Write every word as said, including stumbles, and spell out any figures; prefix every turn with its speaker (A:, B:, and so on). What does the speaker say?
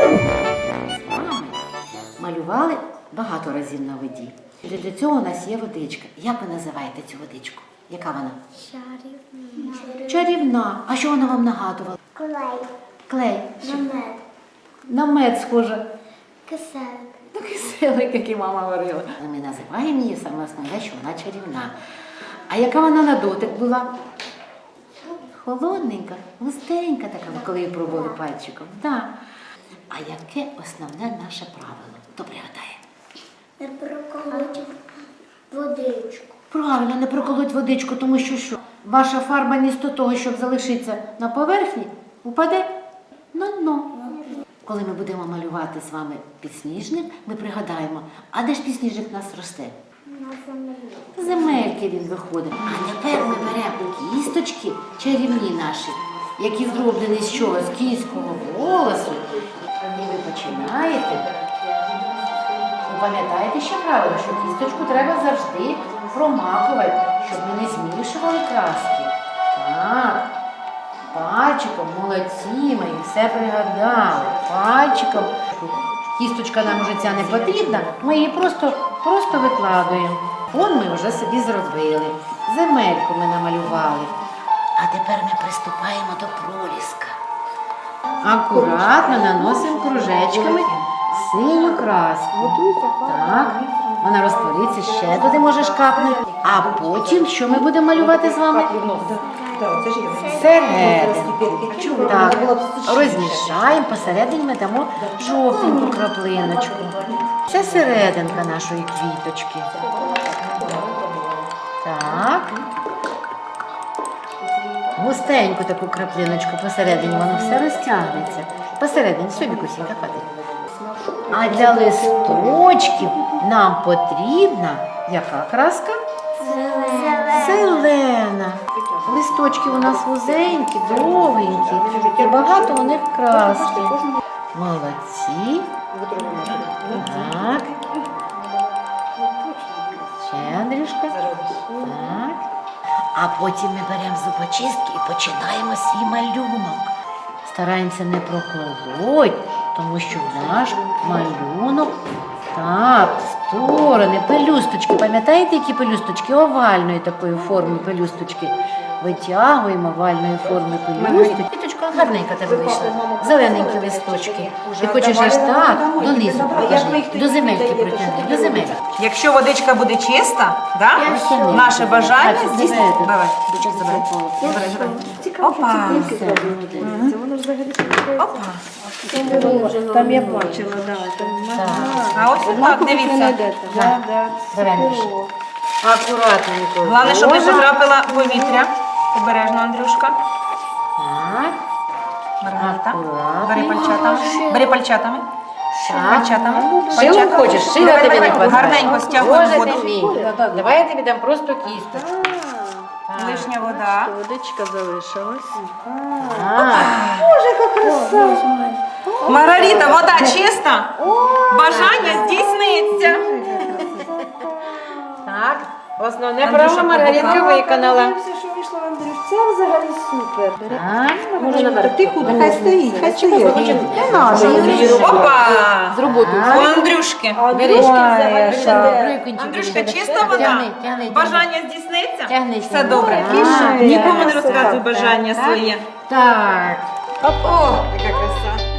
A: З вами малювали багато разів на воді. Для цього у нас є водичка. Як ви називаєте цю водичку? Яка вона?
B: Чарівна.
A: Чарівна. А що вона вам нагадувала?
B: Клей.
A: Клей.
B: Намет.
A: На мед схоже.
B: Киселик.
A: Ну, киселик, який мама говорила. Ми називаємо її саме основне, що вона чарівна. А яка вона на дотик була? Холодненька, густенька така, коли її пробували пальчиком. Да. А яке основне наше правило? Хто пригадає?
B: Не проколоть водичку.
A: Правильно, не проколоть водичку, тому що що? Ваша фарба місто того, щоб залишитися на поверхні, упаде на дно. Коли ми будемо малювати з вами підсніжник, ми пригадаємо, а де ж підсніжник у нас росте?
B: На землі.
A: З земельки він виходить. А тепер ми беремо кісточки чарівні наші, які зроблені з чого? З кінського волосу. І ви починаєте. Ви пам'ятаєте ще правило, що кісточку треба завжди промакувати, щоб ми не змішували краски. Так. Пальчиком, молодці, ми все пригадали. Пальчиком. Кісточка нам вже ця не потрібна, ми її просто, просто викладуємо. Фон ми вже собі зробили. Земельку ми намалювали. А тепер ми приступаємо до проліска. Акуратно наносимо кружечками синю краску. Так, вона розтвориться, ще туди можеш капнути. А потім, що ми будемо малювати з вами? Серединку. Так, розмішаємо, посередині ми дамо жовтеньку краплиночку. Це серединка нашої квіточки. Так. Густеньку таку краплиночку посередині, воно все розтягнеться. Посередині, собі кусінька хватить. А для листочків нам потрібна яка краска?
B: Зелена.
A: Зелена. Листочки у нас вузенькі, довгенькі, і багато у них краски. Молодці. Так. Ще, Андрюшка. Так. А потім ми беремо зубочистки і починаємо свій малюнок. Стараємося не проколоть, тому що наш малюнок, так, сторони, пелюсточки. Пам'ятаєте, які пелюсточки? Овальної такої форми пелюсточки. Витягуємо овальної форми пелюсточки. Квіточка гарненька тебе вийшла. Зелененькі листочки. Ти хочеш аж так, донизу покажи, до земельки протягни, до земельки.
C: Якщо водичка буде чиста, да? Наше бажання здійснити. Давай, дочок забирай. Забирай, забирай. Опа. Опа.
D: Там я бачила, да.
A: Так.
C: А ось так, дивіться.
D: Да, да.
A: Беремо. Акуратненько.
C: Головне, щоб не
A: Ложимо.
C: потрапила повітря. Обережно, Андрюшка.
A: Так.
C: Маргарита.
A: Акуратно.
C: Бери пальчатами. Бери пальчатами.
A: Так.
C: Пальчатами.
A: Шилом
C: Пальчатами.
A: хочеш? Шила
C: Давай,
A: тобі
C: давай,
A: не хватає.
C: гарненько стягуємо
A: Боже
C: воду.
A: ти мій. Давай я тобі дам просто кісточку.
C: Лишня вода.
D: Водичка залишилась.
A: Так.
C: Маргарита, вода чиста? Бажання здійсниться.
A: Так. Основне
C: Андрюша,
A: право Маргаритка
C: побухала.
A: виконала.
D: Все, що вийшло, Андрюш, це взагалі супер.
A: Так.
D: Може наверх. Ти худа, хай стоїть, хай стоїть. Не надо.
C: Опа!
A: З роботи.
C: У Андрюшки. Андрюшка, чиста вода?
A: Тягни, тягни.
C: Бажання здійсниться?
A: Тягни.
C: Все добре.
A: Так.
C: Нікому не розказуй бажання своє.
A: Так.
C: О, яка краса.